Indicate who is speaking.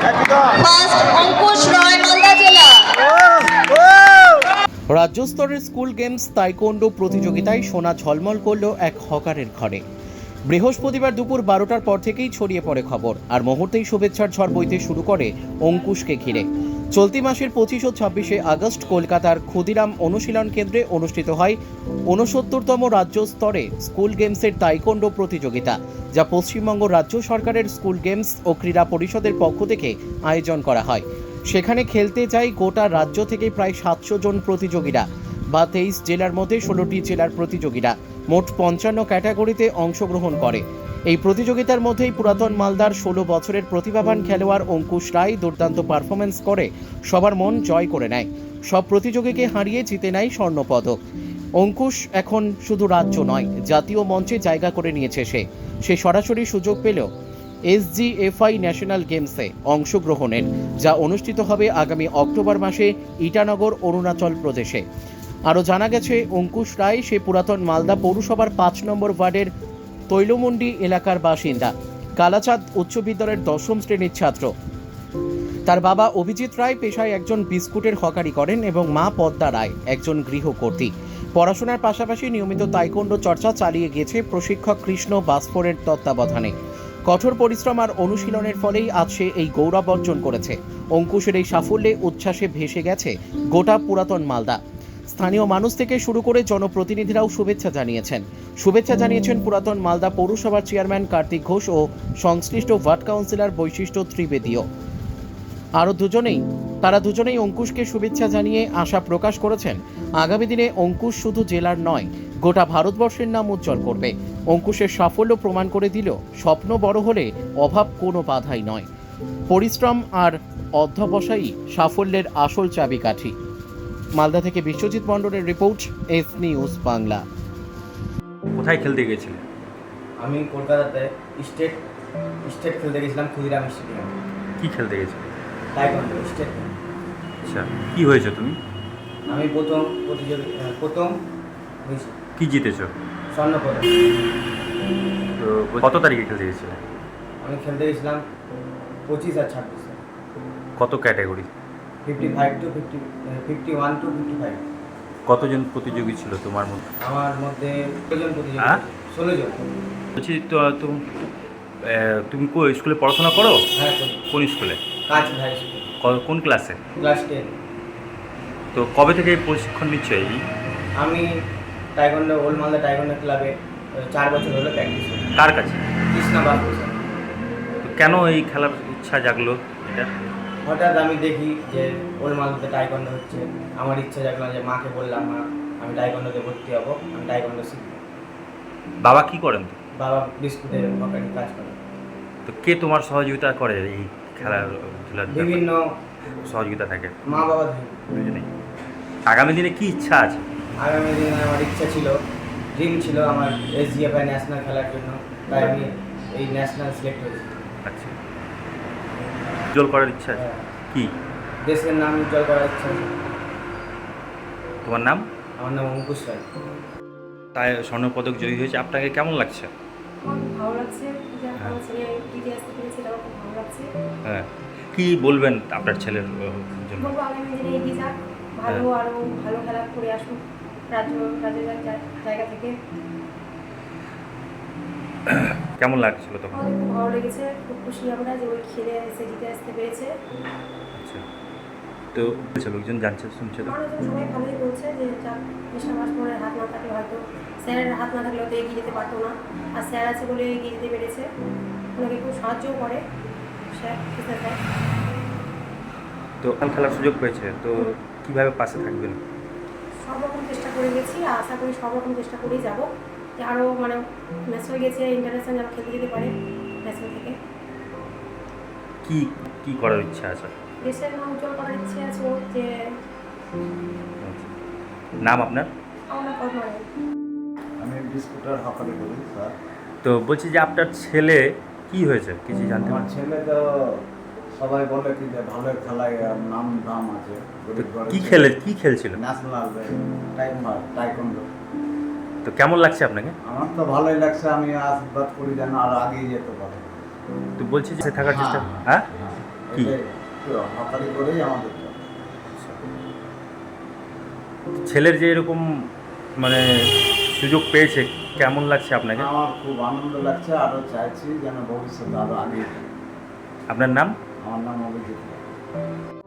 Speaker 1: First Ankush রয় মালদা জেলা।
Speaker 2: রাজ্য স্তরের স্কুল গেমস তাইকোন্ডো প্রতিযোগিতায় সোনা ঝলমল করল এক হকারের ঘরে। বৃহস্পতিবার দুপুর 12টার পর থেকেই ছড়িয়ে পড়ে খবর, আর মুহূর্তেই শুভেচ্ছার ঝড় বইতে শুরু করে অঙ্কুশকে ঘিরে। চলতি মাসের 25 ও 26শে আগস্ট কলকাতার ক্ষুদিরাম অনুশীলন কেন্দ্রে অনুষ্ঠিত হয় 69তম রাজ্য স্তরে স্কুল গেমসের তাইকোন্ডো প্রতিযোগিতা, যা পশ্চিমবঙ্গ রাজ্য সরকারের স্কুল গেমস ও ক্রীড়া পরিষদের পক্ষ থেকে আয়োজন করা হয়। সেখানে খেলতে চাই গোটা রাজ্য থেকে প্রায় 700 জন প্রতিযোগীরা, বা 23 জেলার মধ্যে 16টি জেলার প্রতিযোগীরা মোট 55 ক্যাটাগরিতে অংশগ্রহণ করে। এই প্রতিযোগিতার মধ্যেই পুরাতন মালদার 16 বছরের প্রতিভাবান খেলোয়াড় অঙ্কুশ রায় দুর্দান্ত পারফরমেন্স করে সবার মন জয় করে নেয়। সব প্রতিযোগীকে হারিয়ে জিতে নেয় স্বর্ণপদক। অঙ্কুশ এখন শুধু রাজ্য নয়, জাতীয় মঞ্চে জায়গা করে নিয়েছে। সে সরাসরি সুযোগ পেল SGFI ন্যাশনাল গেমসে অংশগ্রহণের, যা অনুষ্ঠিত হবে আগামী অক্টোবর মাসে ইটানগর, অরুণাচল প্রদেশে। আরও জানা গেছে, অঙ্কুশ রায় সে পুরাতন মালদা পৌরসভার 5 নম্বর ওয়ার্ডের তৈলমন্ডি এলাকার বাসিন্দা। কালাচাঁদ উচ্চ বিদ্যালয়ের 10ম শ্রেণীর ছাত্র। তার বাবা অভিজিৎ রায় পেশায় একজন বিস্কুটের হকারি করেন এবং মা পদ্মা রায় একজন গৃহকর্ত্রী। পড়াশোনার পাশাপাশি নিয়মিত তাইকোন্ডো চর্চা চালিয়ে গিয়েছে প্রশিক্ষক কৃষ্ণ বাসফোরের তত্ত্বাবধানে। কঠোর পরিশ্রম আর অনুশীলনের ফলেই আজ সে এই গৌরব অর্জন করেছে। অঙ্কুশের এই সাফল্যে উচ্ছ্বাসে ভেসে গেছে গোটা পুরাতন মালদা। স্থানীয় মানুষ থেকে শুরু করে জনপ্রতিনিধিরাও শুভেচ্ছা জানিয়েছেন পুরাতন মালদা পৌরসভার চেয়ারম্যান কার্তিক ঘোষ ও সংশ্লিষ্ট ওয়ার্ড কাউন্সিলর বৈশিষ্ট্য ত্রিবেদীও। তারা দুজনেই অঙ্কুশকে শুভেচ্ছা জানিয়ে আশা প্রকাশ করেছেন আগামী দিনে অঙ্কুশ শুধু জেলার নয়, গোটা ভারতবর্ষের নাম উজ্জ্বল করবে। অঙ্কুশের সাফল্য প্রমাণ করে দিল, স্বপ্ন বড় হলে অভাব কোনো বাধাই নয়। পরিশ্রম আর অধ্যবসায়ই সাফল্যের আসল চাবিকাঠি। মালদা থেকে বিশ্বজিৎ মণ্ডলের রিপোর্ট, এস নিউজ বাংলা।
Speaker 3: কোথায় খেলতে গেছিলে?
Speaker 4: আমি কলকাতাতে স্টেট খেলতে গেছিলাম, ক্ষুদিরাম স্টেডিয়াম।
Speaker 3: কি খেলতে গেছিলে?
Speaker 4: Taekwondo state.
Speaker 3: আচ্ছা, কি হয়েছে তুমি?
Speaker 4: আমি প্রথম হয়েছি।
Speaker 3: কি জিতেছো?
Speaker 4: স্বর্ণপদক।
Speaker 3: তো কত তারিখে খেলতে গেছিলে?
Speaker 4: আমি খেলতে গেছিলাম 25 আর 26।
Speaker 3: কত ক্যাটাগরি?
Speaker 4: 51 to 55।
Speaker 3: কতজন প্রতিযোগী ছিল তোমার মধ্যে?
Speaker 4: আমার মধ্যে 16 জন প্রতিযোগী।
Speaker 3: হ্যাঁ?
Speaker 4: 16 জন।
Speaker 3: বলছি, তো তুমি স্কুলে পড়াশোনা করো?
Speaker 4: হ্যাঁ, করি।
Speaker 3: কোন স্কুলে?
Speaker 4: কাজ হাই স্কুল।
Speaker 3: কোন ক্লাসে?
Speaker 4: ক্লাস 10।
Speaker 3: তো কবে থেকে এই প্রশিক্ষণ নিচ্ছ?
Speaker 4: আমি তাইকোন্ডো ওল্ড মালদা তাইকোন্ডো ক্লাবে 4 বছর হলো প্র্যাকটিস করি।
Speaker 3: কার কাছে?
Speaker 4: কৃষ্ণ বাসফোর।
Speaker 3: তো কেন এই খেলার ইচ্ছা জাগলো এটা?
Speaker 4: হঠাৎ আমি দেখি যে ওল্ড মালদাতে তাইকোন্ডো হচ্ছে, আমার ইচ্ছা জাগলো যে মাকে বললাম, মা আমি তাইকোন্ডোতে ভর্তি হবো, আমি তাইকোন্ডো শিখবো।
Speaker 3: বাবা কি করেন?
Speaker 4: বাবা বিস্কুটের হকারি কাজ করে।
Speaker 3: তো কে তোমার সহযোগিতা করে এই খেলাধুলার?
Speaker 4: বিভিন্ন
Speaker 3: সহযোগিতা থাকে
Speaker 4: মা বাবা থেকে।
Speaker 3: দুজনেই। আগামী দিনে কি ইচ্ছা আছে?
Speaker 4: আগামী দিনে আমার ইচ্ছা ছিল, ড্রিম ছিল আমার SGFI ন্যাশনাল খেলার জন্য, তাই আমি এই ন্যাশনাল সিলেক্ট হয়েছি।
Speaker 3: আচ্ছা, উজ্জ্বল করার ইচ্ছা আছে?
Speaker 4: হ্যাঁ।
Speaker 3: কি
Speaker 4: দেশের নাম উজ্জ্বল করার ইচ্ছা আছে।
Speaker 3: তোমার নাম?
Speaker 4: আমার নাম অঙ্কুশ রায়।
Speaker 3: তাই স্বর্ণপদক জয়ী হয়েছে, আপনাকে কেমন লাগছে?
Speaker 5: আমার খুব ভালো লাগছে যে আমার ছেলে জিতে আসতে পেরেছে, তাও খুব ভালো লাগছে।
Speaker 3: হ্যাঁ, কি বলবেন আপনার ছেলের জন্য?
Speaker 5: বলবো আগামী দিনে এগিয়ে যাক, ভালো আরও ভালো খেলা করে আসুক রাজ্যের জায়গা থেকে।
Speaker 3: কেমন লাগছিল তখন?
Speaker 5: আমাদের খুব ভালো লেগেছে, খুব খুশি আমরা যে ওই খেলে এসে জিতে আসতে পেরেছে।
Speaker 3: আচ্ছা, তো লোকজন জানছে, শুনছে তো?
Speaker 5: মানুষজন সবাই ভালোই বলছে যে যাক, কৃষ্ণ বাসফোরের হাত না থাকলে হয়তো, স্যারের হাত না থাকলে হয়তো এগিয়ে যেতে পারতো না, আর স্যার আছে বলে এগিয়ে যেতে পেরেছে। ওনাকে খুব সাহায্যও করে স্যার।
Speaker 3: তো খেলার সুযোগ পেয়েছে, তো কিভাবে পাশে থাকবেন?
Speaker 5: সব রকম চেষ্টা করে গেছি, আর আশা করি সব রকম চেষ্টা করেই যাবো, যে আরও মানে ম্যাচ হয়ে গেছে ইন্টারন্যাশনাল যেন খেলতে যেতে পারে ন্যাশনাল থেকে।
Speaker 3: কি কি করার ইচ্ছা আছে?
Speaker 5: দেশের নাম উজ্জ্বল করার ইচ্ছে আছে ওর, যে
Speaker 3: আচ্ছা। নাম আপনার?
Speaker 5: আমরা পদ্মা রায়।
Speaker 6: আমি বিস্কুটের হকারি করি স্যার।
Speaker 3: তো বলছি যে আপনার ছেলে কি হয়েছে, কিছু জানতে
Speaker 6: আমার
Speaker 3: পারছি?
Speaker 6: ছেলে তো সবাই বলে কি যে ভালো খেলায় নাম দাম আছে।
Speaker 3: কি খেলছিল?
Speaker 6: National taekwondo.
Speaker 3: তো কেমন লাগছে আপনাকে?
Speaker 6: আমার তো ভালোই লাগছে, আমি আশীর্বাদ করি যেন আরো আগিয়ে যেতে পারে।
Speaker 3: তো বলছি যে থাকার চেষ্টা। হ্যাঁ, কি?
Speaker 6: হকারি করেই আমাদের চলে।
Speaker 3: ছেলের যে এরকম মানে সুযোগ পেয়েছে কেমন লাগছে আপনাকে?
Speaker 6: আমার খুব আনন্দ লাগছে, আরও চাইছি যেন ভবিষ্যতে আরও আগে।
Speaker 3: আপনার নাম?
Speaker 6: আমার নাম অভিজিৎ।